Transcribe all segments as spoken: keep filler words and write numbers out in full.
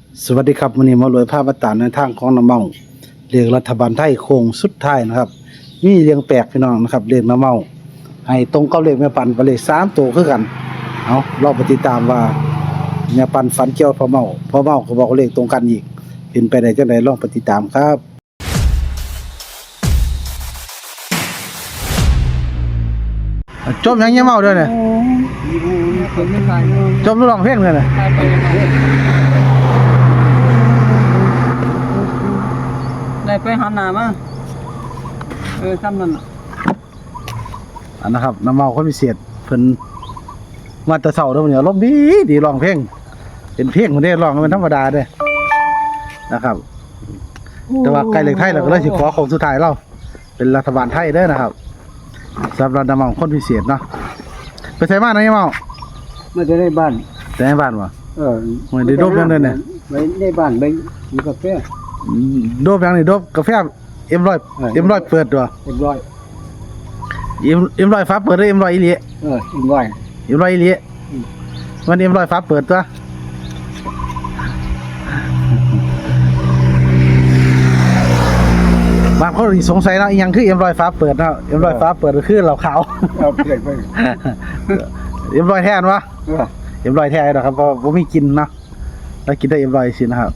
สวัสดีครับวันนี้มารวยภาพบัตรในทางของน้ำเมาเรียกรัฐบาลไทยโค้งสุดท้ายนะครับมีเรียงแปลกพี่น้องนะครับเรียกน้ำเมาให้ตรงกับเลขแม่ปันไปเลยสามตัวคือกันเอาเราไปติดตามว่าแม่ปันฝันเกี่ยวพ่อเมาพ่อเมาก็บอกเลขตรงกันอีกเป็นไปได้จังไดลองไปติดตามครับจบยังยังเมาด้วยเนี่ยจบร้องเพลงเลยเนี่ยได้ไปหันหน้ามาเออซ้ำนั่นน่ะอันนะครับน้ำเมาคนพิเศษเพิ่นมาแต่เช้าเด้อมื้อนี้ลมณ์ดีดีร้องเพลงเป็นเพลงคนนี้ร้องเป็นธรรมดาเด้อนะครับแต่ว่าใกล้เลขไทยเราก็เลยสิขอของสุดท้ายเราเป็นรัฐบาลไทยเด้อนะครับสำหรับน้ำเมาคนพิเศษเนาะไปใส่บ้านนะน้ำเมาไม่ได้ในบ้านแต่ในบ้านวะเออไม่ได้โดบยังเด้อเนี่ยไปในบ้านไปมีกาแฟโดบยังนี่โดบกาแฟเอ็มร้อยเอ็มร้อยเปิดตัวเรียบร้อยเอ็มเอ็มร้อยฟ้าเปิดหรือเอ็มร้อยอีหลีเออเรียบร้อยเอ็มร้อยอีหลีมันเอ็มร้อยฟ้าเปิดตัวบางคนสงสัยนะยังคือเอ็มร้อยฟ้าเปิดนะเอ็มร้อยฟ้าเปิดก็คือเหล่าขาวเอาเปลี่ยนไปเอ็มร้อยแท้นวะเออเอ็มร้อยแท้นะครับเพราะผมไม่กินนะแล้วกินได้เอ็มร้อยสินะครับ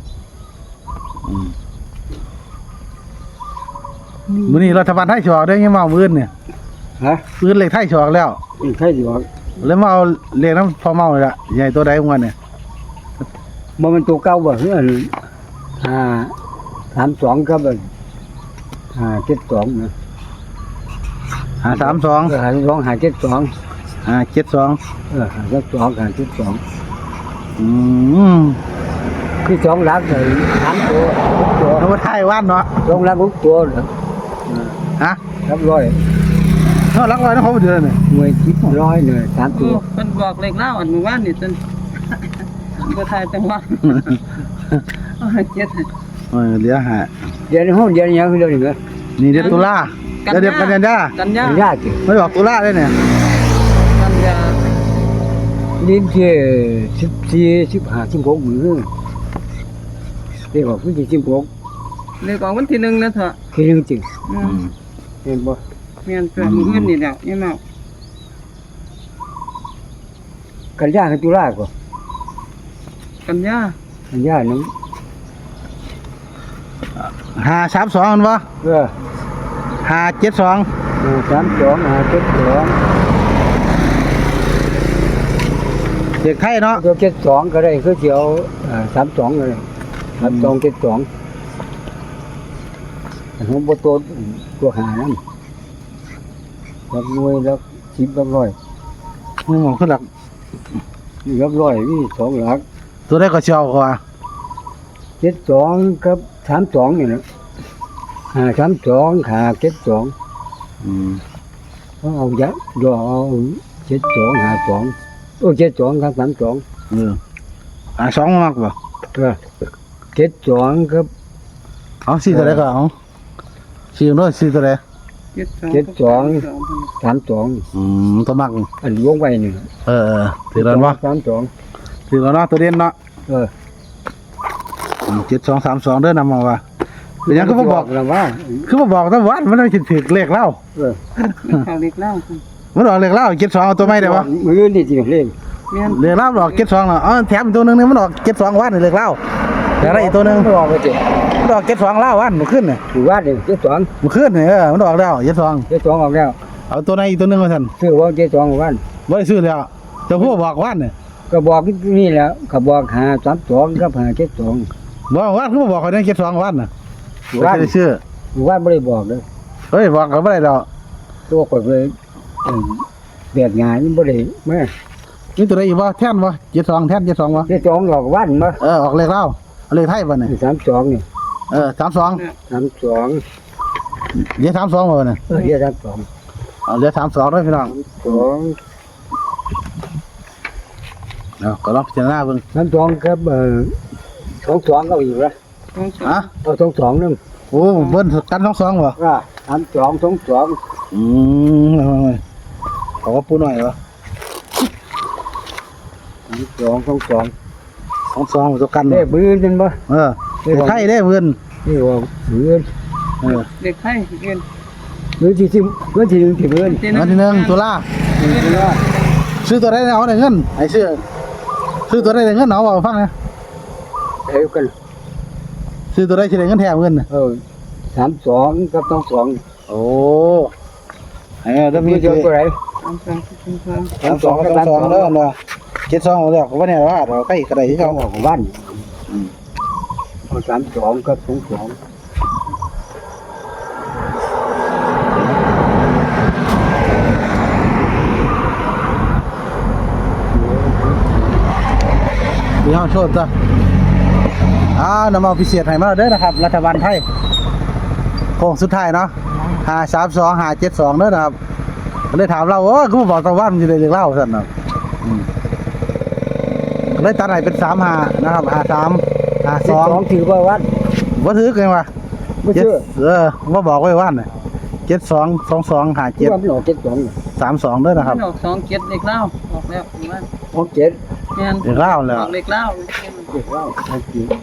มื้อนี้รัฐบาลไทยฉอกได้ยังมาเอามื้อเนี่ยฮะมื้อเลขไทยฉอกแล้วมีใครอยู่บ่แล้วมาเอาเลขน้ำพอเมาเลยละใหญ่ตัวใดของมันเนี่ยบ่มันตัวเก่าบ่เฮือนห้าสามสองครับเอิ้นห้าเจ็ดสองนะห้าสามสองเออห้าสองห้าเจ็ดสองห้าเจ็ดสองเออห้าเจ็ดสองห้าเจ็ดสองอืมคือสองหลักเลยสามตัวหกตัวเอามาไทยว่านเนาะสองหลักหกตัวเหรอฮะครับร้อยเท่ารักร้อยนะเขาเดือนเนี่ยหน่วยคิดร้อยเลยสามโอ้ตัวเป็นบอกเลขเล่าอันเมื่อวานนี่จน บ่ทายจังหวะเอาให้เจ็ดให้เออเหลือหาเดี๋ยวในห้องเดี๋ยวนี้ยังคือเดี๋ยวนี้เหรอนี่เดือนตุลาแล้วเดือนกันยายนกันยายากจิไม่บอกตุลาเลยเนี่ยกันยาลิ้นที่สิบสี่สิบห้าสิบหกมือเรียกว่าพื้นที่สิบหกเลขออกวันที่หนึ่งนะเถอะคือเรื่องจริงอืมเห็นบ่แม่นเกิดมื้ออื่นนี่แหล้วยังเมากันยากับตุลาก็กันยากันยานั้นห้าสามสองมันวะเออห้าเจ็ดสองเออสามสองห้าเจ็ดสองเด็กไทยเนาะตัวเจ็ดสองก็ได้คือเสียวอ่าสามสองเลยสามสองเจ็ดสองแต่ของบ่ตัวตัวหานั่นรับหน่วยแล้วสิบรับร้อยมึงมองขึ้นหลักนี่รับร้อยนี่สองหลักตัวได้ก็เชียวกว่าเจ็ดสองกับสามสองนี่นะหาสามสองหาเจ็ดสองอืมเขาเอาเยอะดอกเอาเจ็ดสองหาสองโอ้เจ็ดสองครับสามสองเอออ่าสองมากป่ะเออเจ็ดสองครับเอาสี่ตัวไหนก็เอาสี่ด้วยสี่ตัวไหนเจ็ดสองสามสองอืมตัวมากอันวงไว้นี่เออเออถือแล้ววะสามสองถือแล้วเนาะตัวเด่นเนาะเออเจ็ดสองสามสองเด้อนำมาว่าเป็นยังคือบ่บอกแล้วว่าคือบ่บอกแต่วันมันไม่ถือเลขเล่าเออเขาเลขเล่ามันออกเลขเล่าเจ็ดสองเอาตัวไม่ได้วะมือนี่จริงเล่นแม่นเลขเล่าออกเจ็ดสองเนาะอ๋อแถมอีกตัวหนึงนี่มันออกเจ็ดสองวันนี่เลขเล่าแต่อะไรอีกตัวหนึงไม่ออกไปเจ็ดมันออกเจ็ดสองเล่าวันมันขึ้นเนี่ยถือว่าเด็กเจ็ดสองมันขึ้นเนี่ยเออมันออกแล้วเจ็ดสองเจ็ดสองออกแล้วเอาตัวไหนอีกตัวหนึงมาท่านซื้อว่าเจ็ดสองวันบ่ได้ซื้อแล้วเจ้าผู้บอกวันเนี่ยก็บอกนี่แหล้วก็บอกหาสามสองกับหาเจ็ดสองบอกวันคือบ่บอกเขาเนี่ยเจ็ดสองวันน่ะบ่วันได้ซื้อวันไม่ได้บอกเลยเฮ้ยบอกเขาบ่ได้ดอกตัวข่อยเลยเอ่อเบียดงานนี่บ่ได้แม่นี่ตัวไหนอีกบ่แท่นบ่เจ็ดสองแท่นเจ็ดสองบ่เจ็ดสองหลอกวันมาเออออกเลขเล่าเอาเลขไทยบ่เนี่ยสามสองนี่เออสามสองสามสองเดี๋ยวสามสองบ่เนี่ยเออเดี๋ยวสามสองเอาเหลือสามสองด้วยพี่น้องสองเอาก็ลองพิจารณาเบิ่งสามสองครับเอ่อสองสองก็อยู่ละสองสองฮะเอาสองสองนึงโอ้เบิ้ลกันสองสองบ่ว่าสามสองสองสองอืมเอาไว้ขอปูหน่อยวะสามสองสองสองสสองสองตัวกันเลขบื้นเป็นบ่เออเด็กไทยได้เพื่อนนี่ว่าบื้นเออเด็กไทยเงินบื้นที่ที่บื้นที่หนึ่งที่บื้นวันที่หนึ่งตุลานี่ว่าซื้อตัวได้เอาได้เงินไอ้ซื้อซื้อตัวได้เงินเอาเอาฟังนะเอ้กันซื้อตัวได้สิได้เงินแถมเงินน่ะเออสามสองกับสองสองโอ้เออถ้ามีมีเยเจ็อะดกว่าไหนสามสองสามสองสามสองสามสองเด้อเนาะเจ็ดสองเอาแล้วก็ว่าเนี่ยว่าเราใกล้กระไดที่เขาเขาออกบ้านเอาสามสองกับสองสองดีห้องโชดจ้ะอ่านำเอาพิเศษให้มาเด้อนะครับ รัฐบาลไทยโค้งสุดท้ายเนาะห้าสามสองห้าเจ็ดสองเด้อนะครับก็เลยถามเราโอ้ก็มาบอกตะวันมันจะได้เรียกเล่าสั่นนะอืมก็เลยตัดให้เป็นสามห้านะครับห้าสามห้าสสอองงถือว่าวัดว่าถือกันวะไม่เจ็ดเชื่อเออว่าบอกไว้ว่าน่ะเจ็ดสองสองสองห้าเจ็เจ็ดดว่ามันออกเจ็ดสองสามสองเด้อนะครับออกสองเจ็ดเด็กเล่าออกแล้วว่าออกเจ็ดเงินเรียกเล่าแล้วออกเด็กเล่าเจ็ดว่าออกเจ็ด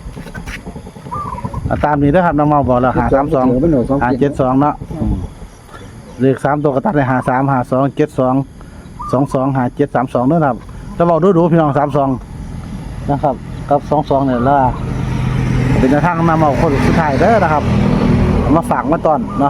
อ่ะตามนี้เด้อครับน้องเมาบอกแล้วหาสามสองมันออกสองหาเจ็เจ็ดดสองเนาะอืมเลขสามตัวก็ตัดได้หาสามหาสองเจ็ดสองสองสองหาเจ็ดสามสองเด้อครับจะบอกดูดูพี่น้องสามสองนะครับกับสองสองเนี่ยละเป็นทางนำเอาคนสุดท้ายเด้อนะครับเอามาฝากมาตอนเนาะ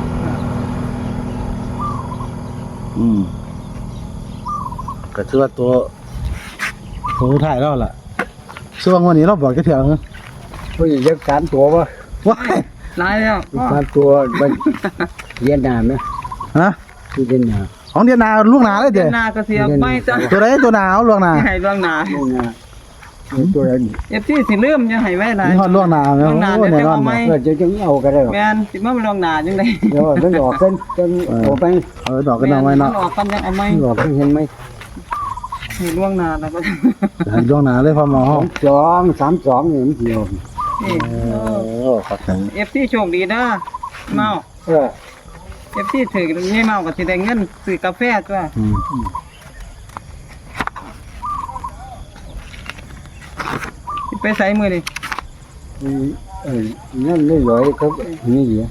อืมก็ถือว่าตัวตัวสุดท้ายแล้วล่ะช่วงวันนี้เราบอกจะเถียงผู้หญิงยักษ์สามตัววะว้ายร้ายแล้วสามตัวมันเย็นหนาไหมฮะคือเย็นหนาของเดียนาลูกหนาเลยเดืเด้อนหน้าก็เสียไม่จ้ะตัวไหนตัวหนาเอาลูกหนาให้ล่วงหน้าเย็นหนาตัวอะไรนี่เอฟซีสิลืมจะให้ไว้หลายนี่ฮอดล่วงหน้าแม่ล่วงหน้าโอ้เดี๋ยวแน่นอนจะเอาไหมเออจะจะเอาก็ได้หรอแม่นสิมาล่วงหน้าจังได๋เดี๋ยวมันออกกันจนออกไปเออดอกกันเอาไว้เนาะออกกันยังเอาไหมออกเห็นไหมให้ล่วงหน้าแล้วก็ล่วงหน้าเลยพอหมอสองสองสามสองนี่มันเดียวนี่โอ้ขอบคุณเอฟซีโชคดีนะเมาเออเอฟซีถือนี่เมาก็สิได้เงินซื้อกาแฟจ้ะอืมสิไปใส่มือนี่เออนั่นไม่ร้อยครับนี่เหรอ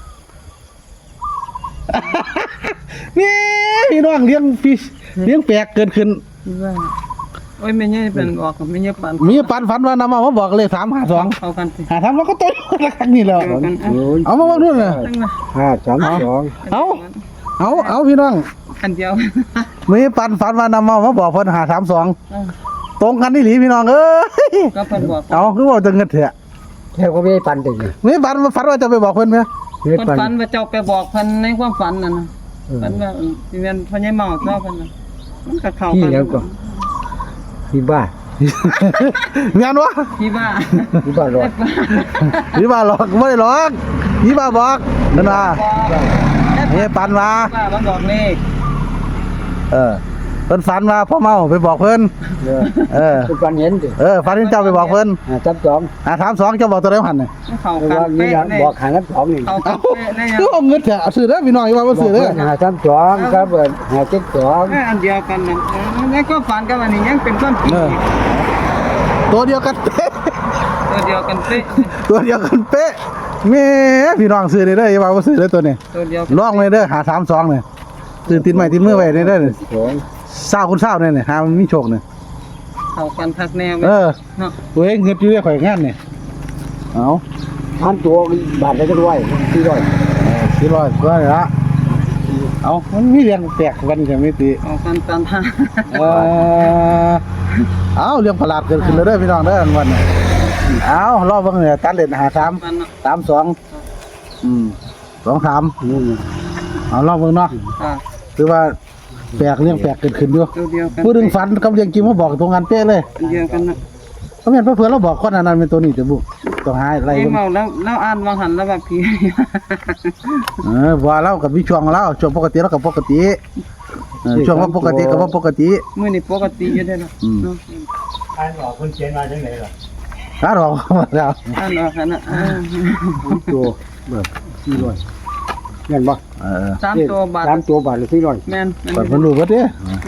นี่พี่น้องเลี้ยงฟิชเลี้ยงแปลกเกินขึ้นว่าโอ้ยแม่ใหญ่เป็นออกแม่ใหญ่ปันมีปันฝันว่านำมามาบอกเลยสามหาสองเอากันสิหาทำแล้วก็ต้นละครั้งนี้แล้วสองศูนย์เอามาบอกด้วยนะตั้งมาห้าสามสองเอาเอาเอาพี่น้องอันเดียวมีปันฝันว่านำมามาบอกเพิ่นหาสามสองเออตรงกันนี่หลีพี่น้องเอ้ยก็เพิ่นบอกเอาคือว่าจะเงินเถอะแค่ก็ไม่ปันติเลยมีปันฝันว่าจะไปบอกเพิ่นไหมไม่เพิ่นปันฝันว่าเจ้าไปบอกเพิ่นในความฝันนั่นน่ะฝันว่าสิแม่นพ่อใหญ่เมาเจ้าเพิ่นน่ะมันก็เข้าที่กันแล้วก็ที่บ้านงานวะที่บ้าที่บ้านรอดยี่บ้าหลอกไม่ได้หลอกยี่บ้าบอกนั่นว่าเฮ้ปันมาบ้ามันบอกเลขเออเพิ่นฝันมาพ่อเมาไปบอกเพิ่นเออเออเป็นปันเห็นดิเออฝันที่เจ้าไปบอกเพิ่นห้าสามสองอ่าถามสองเจ้าบอกตัวไหนหันเนี่ยมันเข้าเพราะกันว่านี่เป๊ะนะเลยบอกหาน้ำสองนี่เข้ากัเอ้านเป๊ะเลยคือเอาเงินเถอะซื้อเด้อพี่น้องอย่าว่าบ่ซื้อเด้อหาสามสองครับเบิดหาเจ็ดสองเอออันเดียวกันน่ะเออแล้วก็ฝันกับอันนี้ยังเป็นความจริงอีกตัวเดียวกันเป๊ะตัวเดียวกันเป๊ะตัวเดียวกันเป๊ะแม่พี่น้องซื้อได้เด้ออย่าว่าบ่ซื้อเด้อตัวนี้ตัวเดียวลองเลยเด้อหาสามสองเนี่ยตื่นติดไม้ติดมือไว้ได้เด้อสองเศร้าคุณเศร้าเนี่ยเนี่ยหามันมีโชคเนี่ยเข้ากันคักแน่เออเนาะตัวเองเฮ็ดอยู่ได้ข่อยงานเนี่ยเอาพันตัวบาทได้ก็ด้วยที่ร้อยสี่ร้อยก็ได้ละเอามันมีเรื่องแปลกกันใช่ไหมติเข้ากันตามทางเออเอาเรื่องประหลาดเกิดขึ้นแล้วเด้อพี่น้องเด้อวันนี้เอารอบเบิ่งเนี่ยตัดเลนหาสามมันเนาะสามสองอืมสองสามนี่เอารอบเบิ่งเนาะอ่าคือว่าแปลกเรื่องแปลกเกิดขึ้นอยู่ตัวเดียวกันผู้ดึงฝันกับเรื่องจริงมาบอกตรงกันเป๊ะเลยอันเดียวกันเนาะเขาเห็นเพื่อนเราบอกคนอันนั้นเป็นตัวนี้แต่บุต้องหาอะไรไอ้เบิ่งเมาแล้วแล้วอ่านวางหันแล้วแบบผีเออว่าเรากับวิช่วงเราช่วงปกติเรากับปกติเออช่วงว่าปกติกับว่าปกติมื้อนี้ปกติอยู่เด้อเนาะอืมเนาะอ่านออกคนเขียนมาจังไหนล่ะถ้าเราแล้วอ่านออกกันนะอ่าตัวเบิดที่ร้อยเงินบ่เออสามตัวบาทสามตัวบาทหรือที่ร้อยแม่นเปิดเพิ่นรู้เบิดเด้แม่น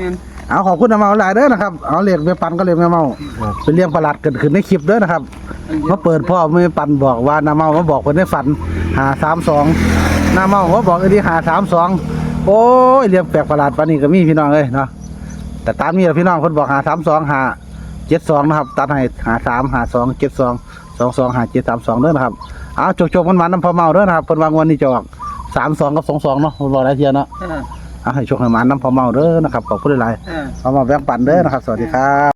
เอาขอบคุณน้ำเมาหลายเด้อนะครับเอาเรียกแม่ปันก็เรียกแม่เมาเป็นเรื่องประหลาดเกิดขึ้นในคลิปเด้อนะครับมาเปิดพ่อแม่ปันบอกว่าน้ำเมามาบอกเพิ่นในฝันหาสามสองน้ำเมามาบอกไอ้ที่หาสามสองโอ้ยเรื่องแปลกประหลาดปานนี้ก็มีพี่น้องเอ้ยเนาะแต่ตามนี้พี่น้องเพิ่นบอกหาสามสองหาเจ็ดสองนะครับตัดให้หาสามหาสองเจ็ดสองสองสองหาเจ็ดสามสองเด้อนะครับเอาจกๆมันๆน้ำพ่อเมาเด้อนะครับเพิ่นวางวันนี้จะออกสามสองกับสองสองเนาะเพิ่นบอกหลายเที่ยเนาะอ่าเอาให้โชคให้หมาน้ำพ่อเมาเด้อนะครับขอบคุณหลายอ่าๆเอามาแบ่งปันเด้อนะครับสวัสดีครับ